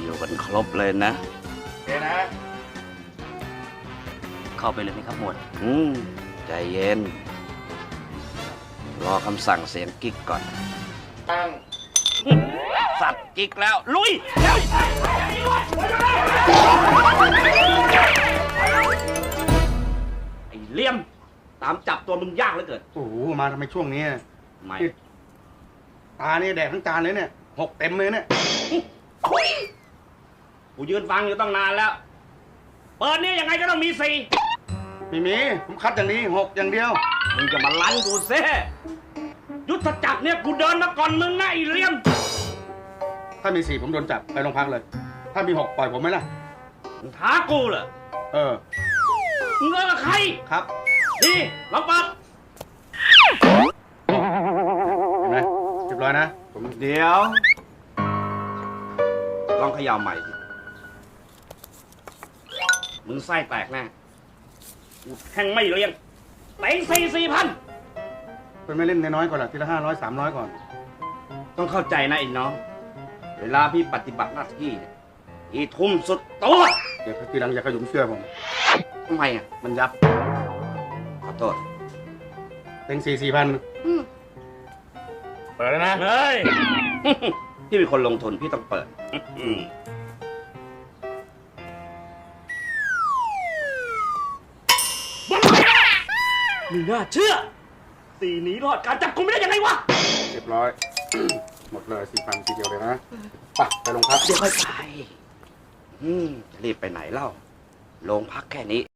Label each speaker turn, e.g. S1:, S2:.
S1: อยู่กันครบเลยนะ
S2: เดี๋ยวนะ
S3: เข้าไปเลยไหมครับหมวด
S1: ใจเย็น รอคำสั่งเสียงกิ๊กก่อน
S2: ตั้ง
S1: สัตว์กิ๊กแล้ว ลุยเร็วไอ้เลี่ยม ตามจับตัวมึงยากเหลือเกิน
S2: โอ้โหมาทำไมช่วงนี้
S1: ไม่
S2: ตาเนี่ยแดกทั้งจานเลยเนี่ยหกเต็มเลยเนี่ย
S1: กูยืนฟังอยู่ตั้งนานแล้ว เปิดนี่ยังไงก็ต้องมีสี่
S2: ไม่มีผมคัดอย่างนี้หกอย่างเดียว
S1: มึงจะมาลั่นกูเซ่ยุทธจักรเนี่ยกูเดินมาก่อนมึงนะไอ้เลี่ยม
S2: ถ้ามีสี่ผมโดนจับไปโรงพักเลย ถ้ามีหกปล่อยผมไหมล่ะ
S1: มึงท้ากูเหรอ
S2: เออ
S1: มึงเลิกกับใคร
S2: ครับ
S1: นี่ลองเปิด
S2: เห็นไหมเรียบร้อยนะผม
S1: เดี๋ยว ลองเขย่าใหม่สิ มึงไส้แตกแน่กูแข่งไม่เรียงเต็ง4,000
S2: เป็นไม่เล่นน้อยๆก่อนล่ะทีละ500 300ก่อน
S1: ต้องเข้าใจนะไอ้น้อง เวลาพี่ปฏิบัติหน้าที่เนี่ยพี่ทุ่มสุดตัว
S2: เดี๋ยวทีหลังอย่าขยุมเสื้อผม
S1: ทำไมอ่ะ
S2: มันยับ
S1: ขอโทษ
S2: เต็ง4,000เปิดแล้วนะ
S1: เฮ้ย พี่เป็นคนลงทุนพี่ต้องเปิด ไม่น่าเชื่อสีหนีรอดการจับกุมไม่ได้ยังไงวะ
S2: เรียบร้อย หมดเลย4,000ทีเดียวเลยนะไปโรงพัก
S1: เดี๋ยวค่อยไปจะรีบไปไหนเล่า โรงพักแค่นี้